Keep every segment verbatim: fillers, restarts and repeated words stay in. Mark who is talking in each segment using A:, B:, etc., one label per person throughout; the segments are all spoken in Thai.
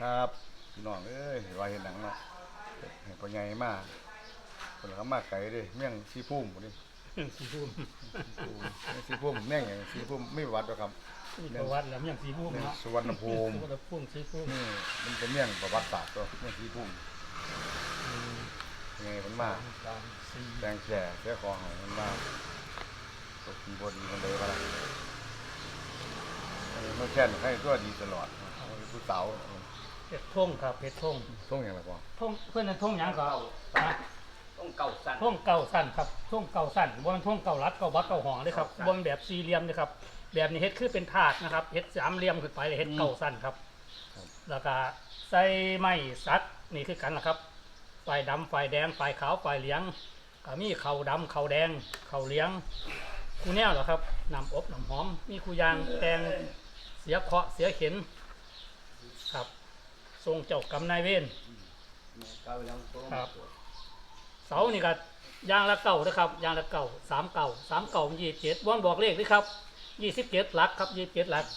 A: ครับพี่น้องเอ้ยว่าเห็นหนังเนาะเห็นพ่อใหญ่มาคนละมาไก่ดิเมี่ยงซีพุ่มดิ
B: สีพุ่ม
A: ซีพุ่มเมี่ยงอย่างซีพุ่มไม่วัดหรอกครับ
B: มีประวัติแล้วเมี่ยงสีพุ่มเนาะ
A: สุวรรณภูมิ
B: สุวรรณภูมิสีพุ่ม
A: นี่มันเป็นเมี่ยงประวัติศาสตร์ตัวเมี่ยงซีพุ่มยังไงมันมาแดงแก่เสื้อคอหายมันมาตกบนมันเลยว่ามันแค่ให้ตัวดีตลอดผู้สาว
B: เพชรท่งครับเพชรท่ง
A: ท่งอย่างไรพ่อ
B: ท่งเพื่อนนั้นท่งยังก็นะ
C: ท่งเก่าสั้น
B: ท่งเก่าสั้นครับท่งเก่าสั้นบนท่งเก่ารัดเก่าบักเก่าหองเลยครับบนแบบสี่เหลี่ยมเลยครับแบบนี้เฮ็ดคือเป็นถาดนะครับเฮ็ดสามเหลี่ยมขึ้นไปเฮ็ดเก่าสั้นครับแล้วก็ใส่ไม้สักนี่คือกันนะครับไฟดำไฟแดงไฟขาวไฟเหลืองก็มีเข่าดำเข่าแดงเข่าเหลืองคูแนวเหรอครับน้ำอบน้ำหอมมีคูยางแตงเสียเคาะเสียเข็นครับทรงเจ้ากรรมนายเวรครับเสานี่ก็ยางละเก่านะครับยางละเก่าสามเก่าสามเก่ายี่สิบเจ็ดวันบอกเลขด้วยครับยี่สิบเจ็ดหลักครับยี่สิบเจ็ดหลัก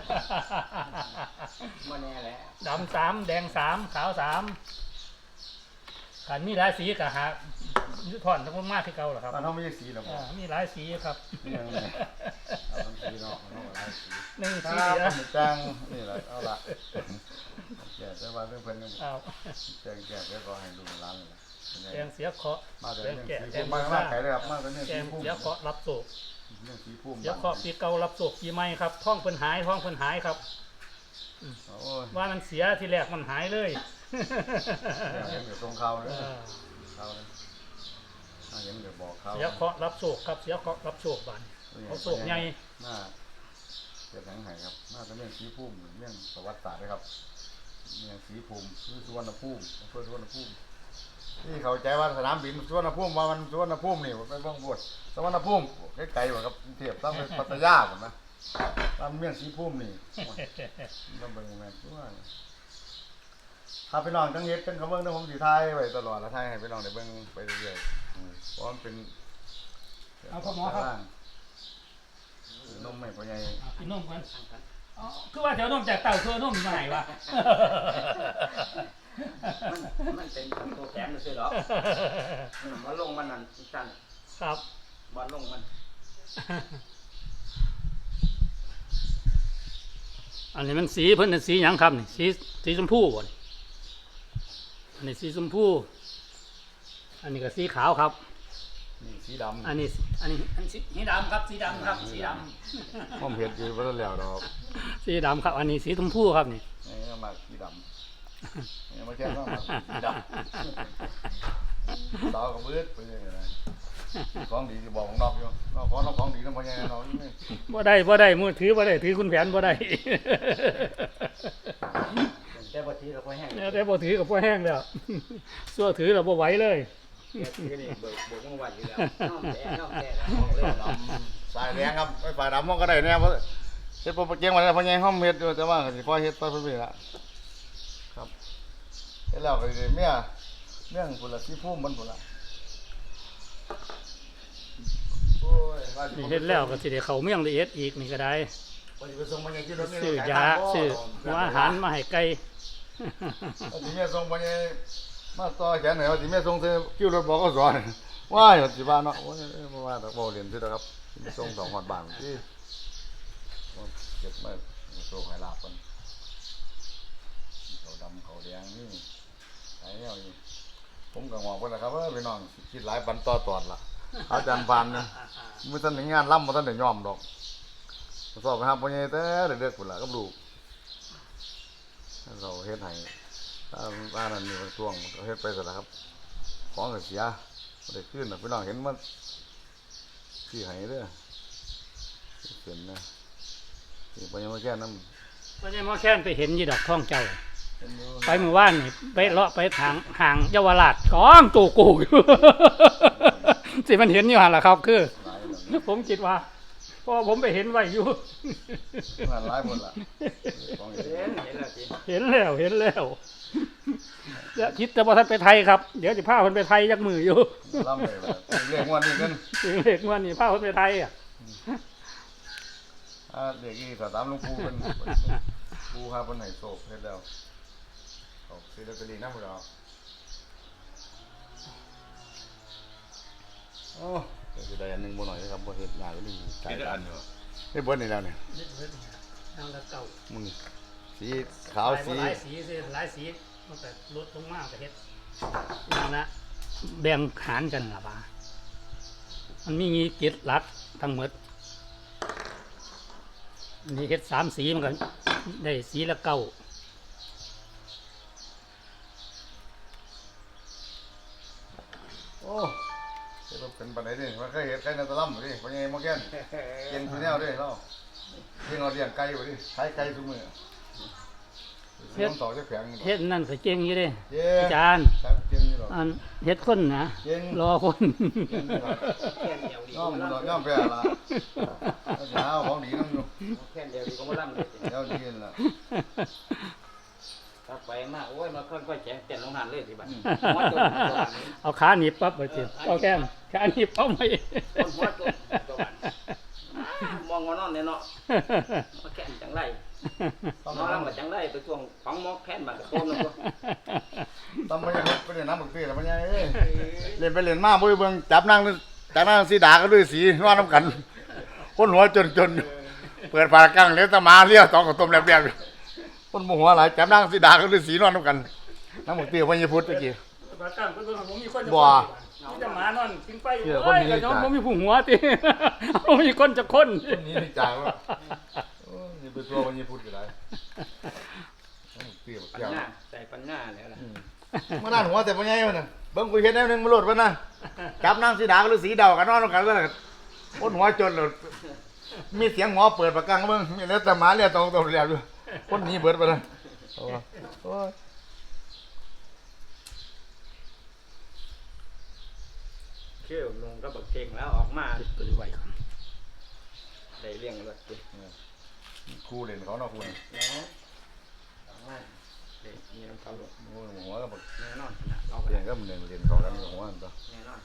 B: ดำสามแดงสามขาวสามขันมีหลายสีกับหาถอนทั้งหมดมากที่เก่าเหรอครับ
A: มันต้องไม่ใช่สีหรอก
B: มีหลายสีครับ
A: เอาสีเนาะเอาหลายสี
B: หนึ่งสี
A: เดียวจังนี่แหละเอาละแก่แต่ว่าเรื่องเพิ่นแจ้งแก่แล้วก็ให้ดูร้านเลย
B: แดงเสียเคาะ
A: มาแต่แก่แดงมากไก่เลยครับมาแต่เนี่ยสีพุ่ม
B: เสียเคาะรับโศก
A: เรื่องสีพุ่ม
B: เสียเคาะปีเก่ารับโศกปีใหม่ครับท้องเพิ่นหายท้องเพิ่นหายครับว่ามันเสียทีแรกมันหายเลย
A: ยังอยู่ตรงเขาเลยเขาเลยยังอยู่บอกเขา
B: เสียเคาะรับโศกครับเสียเคาะรับโศกบานเขาโศกใหญ่
A: มาเกิดหนังไห้ครับมาแต่เรื่องสีพุ่มเรื่องประวัติศาสตร์เลยครับเรื่องสีพุ่มคือสุวรรณภูมิอำเภอสุวรรณภูมิที่เขาใจว่าสนามบินสุวรรณภูมิว่ามันสุวรรณภูมินี่ไปบ้องบวชสุวรรณภูมิไกลๆกว่าครับเทียบต้องไปพัทยาผมนะตามเรื่องสีพุ่มนี่ต้องเป็นยังไงตัวถ้าไปนอนตั้งเย็ดเป็นเขาเบิ้งต้องผมสีไทยไว้ตลอดแล้วไทยให้ไปนอนในเบิ้งไปเรื่อยๆเพราะมันเป็น
B: เอาพ่อหมอครับ
A: นมไม่พอใหญ่
B: กินนมกันคือว่าแถวนมจากเต่าตัวนมมาไหนวะ
C: มันเป็นตัวแถมเลยสิหรอมันลงมันนั่นสั้น
B: ครับ
C: บอลลงมัน
B: อันนี้มันสีเพิ่นเป็นสีหยังครับนี่สีสีชมพูบ่อันนี้สีชมพูอันนี้ก็สีขาวครับ
A: นี่สีดำ
B: อันนี้อันนี้อันสีดำครับสีดำครับสีด
A: ำผมเห็นอยู่ว่าแล้วดอก
B: สีดำครับอันนี้สีชมพูครับนี่
A: นี่มาสีดำนี่มาแค่ก็มาสีดำสาวกับเบิร์ดไปยังไงของดีจะบอกของนอกอยู่นอกของนอกของดีน้ำพยังนอกนี่
B: บ่ได้บ่ได้มือถือบ่ได้ถือคุณแผนบ่ได้
C: แต่บ่ถือกับพ่อแห้ง
B: แต่บ่ถือกับพ่อแห้งแล้วซัวถือเราบ่ไหวเลย
A: สายแดงครับไอ้ฝ่ายดำมันก็ได้เนี่ยเพราะเฮ็ดโปรเจกต์มาแล้วพยังห้องเฮ็ดอยู่แต่ว่าสิพอเฮ็ดไปเพิ่นละครับเฮ็ดแล้วก็สิเมียเรื่องพุ่นละที่พุ่มมันพุ่นละ
B: นี่เฮ็ดแล้วก็สิได้เข้าเมืองละเอียดอีกนี่ก็ได้ซื้อยาซื้อหัวอาหารมาให้ไก่
A: สิเมียส่งไปมาต่อแขนไหนว่าสิเมียส่งซื้อคิวรถบอกก็สอนว้ายสิบ้านเนาะบ่ว่าแต่บ่เรียนซื่อครับส่งสองฮอดบ้านที่เก็บมาโชคให้ลาบกันเขาดำเขาแดงนี่ไอ้เนี่ยผมก็งอกไปแล้วครับว่าพี่น้องคิดหลายปันต่อตอดล่ะอาจารย์ปานเนี่ยเมื่อท่านถึงงานล่ำเมื่อท่านได้ยอมดอกสอบไปหาพ่อใหญ่แต่เด็กๆพุ่นล่ะกับลูกเราเฮ็ดให้ถ้าบ้านนั้นมีช่วงเราเฮ็ดไปซะแล้วครับของก็เสียบ่ได้คืนน่ะพี่น้องเห็นมันสิให้เด้อเห็นนะนี่พ่อใหญ่มาแค่นำ
B: พ่อใหญ่มาแค่นไปเห็นอยู่ดอกท้องเจ้าไปเมื่อวานนี่ไปเลาะไปทางห่างเยาวราชกองตูกูอยู่สิมันเห็นอยู่หั่นล่ะครับคือผมคิดว่าเพราะผมไปเห็นไว้อยู่
A: มันหลายหมดล่ะ
B: เห็นแล้วเห็นแล้วจะคิดแต่ว่าท่านไปไทยครับเดี๋ยวจะพาคนไปไทยยักมืออยู่
A: ล่ำเลยเรียกว่านี่กัน
B: เรียกว่านี่พาคนไปไทยอ่ะ
A: เด็กนี่สามหลวงปู่เป็นปู่พาเป็นไหนโศกเฮ็ดแล้วออกซื้อลอตเตอรี่นะพวกเราโอ้จะได้อันหนึ่งบ่หน่อยนะครับบ่เห็ดงานก็นี่
D: คิดได้อันเดียว
A: เฮ้ยเบิร์ดนี่แล้วเนี่ย
B: เล็ดเล็ดทางละเก่า
A: มึงสีขาวสี
B: หลายสีสิหลายสีมันแต่ลดลงมากแต่เฮ็ดนั่นละแบ่งหารกันล่ะบ่ามันมีงี้เจ็ดหลักทั้งหมดอันนี่เฮ็ดสามสีมันก็ได้สีละเก้า
A: โอ้เฮ็ดเป็นปันไหนดิมันเคยเห็ดไก่ในตะล่ำดิเพราะยังมาแก่นเก่งตัวแนวดิเราเลี้ยงเอาเลี้ยงไก่บ่ดิขายไก่ทุกมื้อเฮ็ดต่อจะแข็ง
B: เฮ็ดนั่นก็เก่งอยู่เด้
A: เย้
B: อาจารย์
A: ครับเก่งอยู่หรอก
B: อันเฮ็ดคนนะ
A: เก่ง
B: รอคน
C: แค่เดียวดี
A: ย่อม
C: ก็
A: ดอก
C: มา
A: ย่อมแพ้ละเอาเช้าของดีน้ำอยู่
C: แค่เดียวดีก็มาล่ำเลย
A: เดี๋ยวดีนั่นล่ะ
C: ถ้าไปมาโอ้ยมาค่อยๆแข็งเต้นลงหันเลยสิบัด
A: อืม
C: หัวจนตัวบัดนี้
B: เอาขาหนีบปั๊บไปสิเอาแก้มขาหนีบเอาไหม
C: คนหัวจนตัวบัดมองว่านอนเนี่ยเนาะมาแค่นจังไรนอนแล้วมาจังไรไปช่วงฟังหมอแค่นมากระโดดลงตัว
A: ต้องไม่ได้ไปเล่นน้ำบักตีแล้วมันยังเอ้ยเล่นไปเล่นมาบ่ได้เบิ่งจับนั่งจับนั่งสีดาก็ด้วยสีนอนน้ำกัน คนหัวจนจนเปิดฝากังเลี้ยงตะหมาเลี้ยวตองกับต้มแลบๆคนโมโหหลายจับนั่งสีดาก็ด้วยสีนอนน้ำกันน้ำบักตีพญพุทธตะกี้
B: บาตั้งเพิ่นผมมีคนจะ
A: บ่
B: มีแต่หมานอนกินไป
A: เชื่อคน
B: โอ้ย
A: นี้
B: ก็ย้อน
A: จ้ะ
B: ผมมีผู้หัวติ ผมมีคนจะคน
A: คนนี้นี่จ่ายว่าโอ้ยอย่าไปตัวพญพุทธก็ได้น้ำบักตีบัก
C: ปัญ
A: แก้ว
C: ญาใส่ปัญญาแล้วล่ะ
A: มาด้านหัวแต่พญมันน่ะเบิ่งกูเฮ็ดแนวหนึงมาโลดวะนะจับนั่งสีดาก็ด้วยสีดาวกันนอนน้ำกันแล้วคนหัวจนเลยมีเสียงหมอเปิดปากกังเบิ่งมีแล้วแต่หมาเรียกตรงตรงเรียบอยู่คนหนี้เบิดไปเลยโอ้ยโอ้ย
C: เชื่อลงก็บักเก่งแล้วออกมา
B: ตัวไว้ก่อน
C: ได้เลี้ยงรถดิ
A: ครูเล่นเขาเนาะครูนี่
C: แล้วออกมาเด็กมีน้ำเขารถ
A: โอ้ยหัวก็บอก
C: แน่นอนนะเราก็
A: เรีย
C: ได้
A: นก็มันเรียนเรียนเขากันหัวมันตัว
C: แน่นอน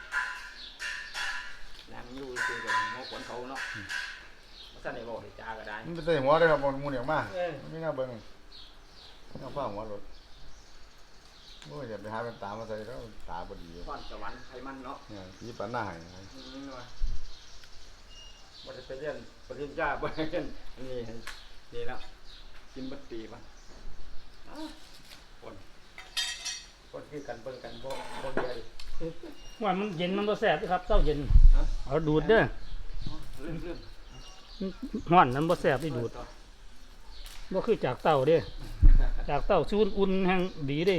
C: นางอยู่คือกับหมอขนเขาเนาะมาสั่นในบ่อได้จาก็ได้
A: มันเป็นแต่หัวได้ครับมันมูนอย่างมาก
C: เออ
A: มันไม่น่าเบิ่งน่าฟ้าหัวรถโอ้ยอย่าไปหาเป็นตามาใส่แล้วตาบ่ดี
C: พรสวรรค์ไทยมันเนาะ
A: เนี่ยผีปันหน้าให้
C: อืมว่าบ่ได้ไปเรียนปริญญาบ่ได้เรียนนี่นี่แล้วกินบัตตีป่ะอ้าวคนคนคือกันเบิ่งกันบ่บ่เดียวดิ
B: ว่ามันเย็นมันบ่แซ่บเด้อครับเจ้าเย็น
C: ฮะ
B: เอาดูดเด้อ
C: เรื่องเรื่อง
B: ฮ้อนนั้นบ่แซ่บได้ดูดบ่คือจากเต้าเด้จากเต้าซูนอุ่นแห่งดีเด้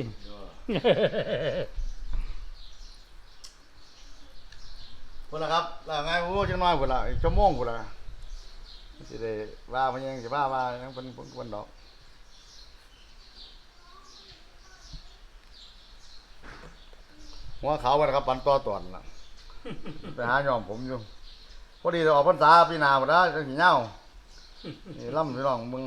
A: พุ่นละครับแล้วไงโอ้จังน้อยพุ่นละอีกชั่วโมงพุ่นละสิได้ว่ามันยังสิว่าว่ายังเป็นเพิ่นดอกหัวขาวบ่ครับปันต่อตอนน่ะไปหาย่อมผมอยู่พอดีจะออกพรรษาปีหน้าบ่ได้จังสิเหงานี่ล่ำพี่น้องมึง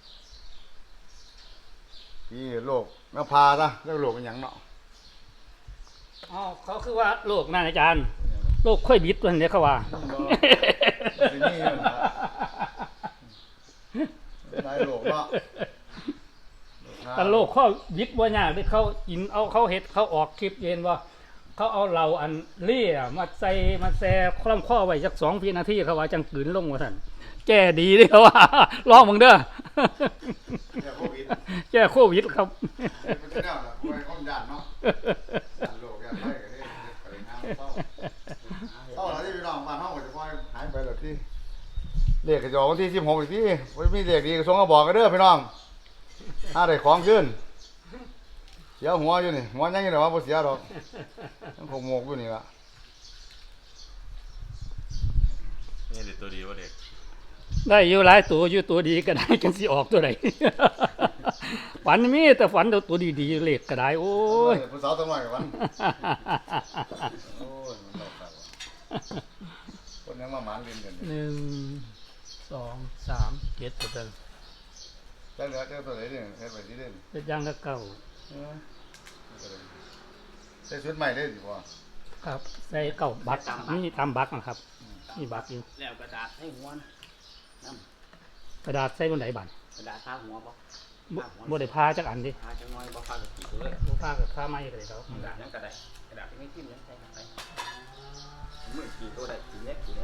A: พี่โลกแม่พาซะเรื่องโลกเป็นหยังเนาะ
B: อ๋อเขาคือว่าโรคนั่นอาจารย์โรคค่อยบิดตัวนี้เขาว่า
A: สินี่นั่นล่ะเป็นไรโลกเนาะ
B: กันโรคข้อบิดบ่ยากเด้เขากินเอาเขาเฮ็ดเขาออกคลิปเย็นว่าเขาเอาเหล้าอันเลี่ยมาใส่มาแซ่คล่ำข้อไว้สักสองนาทีเขาว่าจังกลืนลงว่าซั่นแก้ดีเด้เขาว่า ลองมึงเด้อ
A: เนี่ยโควิด
B: แก้โควิดครับ
A: เป็นแนวน่ะโอ้ยคนญาติเนาะญาติโลกญาติไผก็ได้ไปงานเศร้าเศร้าแล้วที่พี่น้องบ้านเฮาก็จะค่อยหายไปแล้วที่เลขก็จะออกวันที่สิบหกอีกทีบ่มีเลขดีก็ส่งมาบอกกันเด้อพี่น้องถ้าได้ของขึ้นเสียหัวอยู่นี่หัวยังอยู่แต่ว่าบ่เสียดอกยังคงโมกอยู่นี่ล่ะ
D: นี่เด็กตัวดีวะเด็ก
B: ได้อยู่หลายตัวอยู่ตัวดีก็ได้กันสิออกตัวไหน ฝันมีแต่ฝันแต่ตัวดีๆเลขก็ได้โอ้ย
A: ผู้สาวตัวน้อยกับมันโอ้ยมันดอกครับคนยังมาหมานเล่นกันอยู่
B: หนึ่งสองสามเจ็ดตัวเดิม
A: แล้วเหลือเจ้าตัวไหนเนี่ยเฮ็ดไปสิเด่น
B: เป็นยังก็เก่า
A: เออใส่ชุดใหม่ได้สิพ่อ
B: ครับ ใส่เก่าบักนี่ตามบักนะครับนี่บักอยู่
C: แล้วกระดาษให้หัวนะน้
B: กระดาษใส่บนไหนบัน
C: ำกระดาษทาหัวบ่
B: กบ่บ่ได้พาจักอันดิ
C: หาจังน้อยบ่พากับกี่ตัวเลย
B: บ่พากับค่าไม้ก็ได้ครับ
C: กระดาษยังกระดาษกระดาษที่ไม่ทิ่มยังใส่เข้าไปมือกี่ตัวได้กี่เล็กกี่เล็ก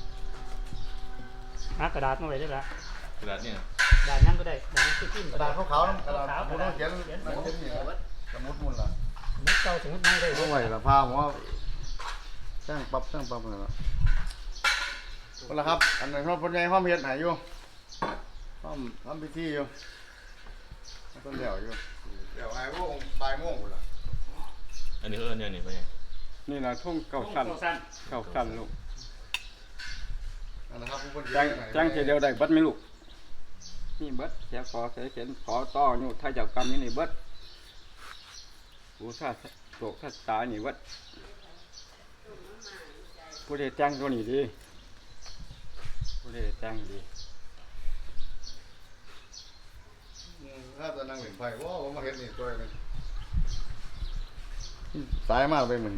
B: หากระดาษมาไว้ได้ละ
D: กระดาษเนี่ย
B: กระดาษยังก็ได้กระดาษที่พิมพ์
A: กระดาษขาวๆนั่นกระดาษ
B: ขาว
A: ผมต้องเขียน
B: เขียน
A: นั่นเขียนนี่ครับสมุดมุนล่ะ
B: สมมุติเก่าสมมุติไม่ได้
A: ต้องไหวละพาผมว่าสร้างปั๊บสร้างปั๊บเลยละคนละครับ อันนั้นเขาเป็นไงห้องเฮ็ดไหนอยู่ห้องห้องพิธีอยู่ต้นเดี่ยวอยู่เดี่ยวไอ้พวกปลายโม่งหมดละ
D: อันนี้เขาเอิ้นเนี่ยนี่ไปไง
C: นี่นะทุ่งเก่าสั้น
B: เก่าสั้น
C: เก่าสั้นลูก
A: นั่นนะครับผู้คน
C: จ้างจ้างเทียวได้เบิดไหมลูกนี่เบิดเสียขอเสียเขียนขอต่ออยู่ถ้าจะกรรมนี่นี่เบิดผู้ท่าโศกท่าตานี่เบิดผู้ใดจ้างตัวนี้ดีผู้ใดจ้างดี
A: ถ้าจะนั่งเหล่นไฟว้าวผมมาเห็นนี่ตัวนึงสายมากไปเหมือน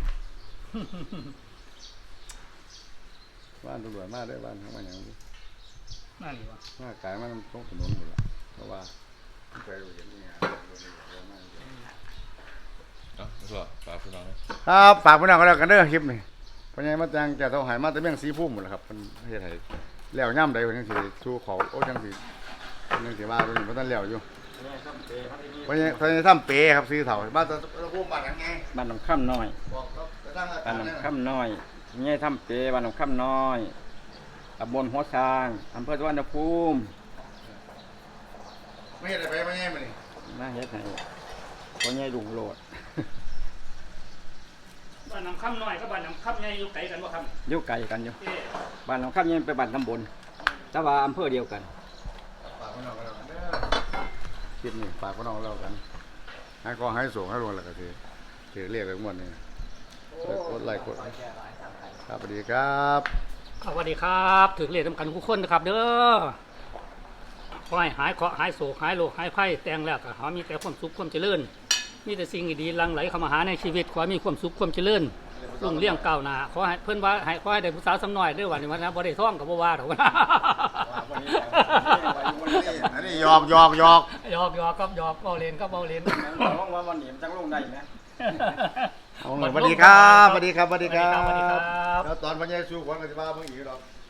A: บ้านตำรวจมาได้บ้านเขามาอย่างนี้
B: นั่นนี่วะ
A: มากายมันตรงถนนหมดละเพราะว่าเคยเห็นนี่ไง
D: เอ้าแล้วก็ฝากพี่น้องนะครับ
A: ฝากพี่น้องกันแล้วกันเด้อคลิปนี่ปัญญามาจังจะเท่าหายมาแต่เมี่ยงสีพุ่มหมดแล้วครับเป็นเฮ็ดให้แล้วย่ำใดเพิ่นจังสิชูเขาโอ้จังสิเพิ่นจังสิว่าเพิ่นบ่ทันแล้วอยู่เพราะเพราะทำเปครับซื้อเถ่าบ้านตะพุ่มบ้านหยังไง
C: บ้านหนองข้ามน้อย
A: บอกครับไปตั้งอา
C: บ้าน
A: จาร
C: หน
A: ย์
C: อง
A: เนี่ย
C: ข้ามน้อยนี่ทำเปบ้านหนองข้ามน้อยตำบลหัวช้างอำเภอสุวรรณภูมิ
A: ไม่เห็นอะไรไปไม่แง่มานี่
C: น่าเฮ็ดให้พ่อใหญ่ลุงโลด
B: บ้านน้ำค่ำน้อยกับบ้านน้ำค่ำใหญ่อยู่ไกลกันบ่ครับ
C: อยู่ไกลกันอยู่
B: เอ๊ะ
C: บ้านหนองข้ามยังไปบ้านตำบลแต่ว่าอำเภอเดียวกัน
A: ฝากพี่น้องกันแล้วกันเด้อคลิปนี้ฝากพี่น้องกันแล้วกันให้ก็ให้ส่งให้รวมแล้วก็สิสิเรียกกันหมดนี่กดไลค์กดครับสวัสดีครับ
B: สวัสดีครับถึงเรียนสำคัญทุกคนนะครับ เด้อขอให้หายเคราะห์หายโศกหายโรคหายภัยแต่งแล้วก็ขอมีแต่ความสุขความเจริญมีแต่สิ่งดีๆหลั่งไหลเข้ามาหาในชีวิตขอให้มีความสุขความเจริญรุ่งเรืองก้าวหน้าขอให้เพิ่นว่าให้ขอให้ได้ผู้สาวสำน้อยเด้อวันนี้วันนะบ่ได้ท้องก็บ่ว่าดอก
A: อันนี้หยอกหยอกหยอก
B: หยอกหยอกครับหยอกเบาเล่นก็เบาเล่น
C: ร้องว่าวันนี้มันจังลงได้ไหม
A: เอาหน่อยสวัสดีครับสวัสดีครับสวัสดีครั
B: สวัสดีครับ บ
A: แล้วตอนวันนี้สู้ขวัญกันจะมาเมื่ออีกหรอก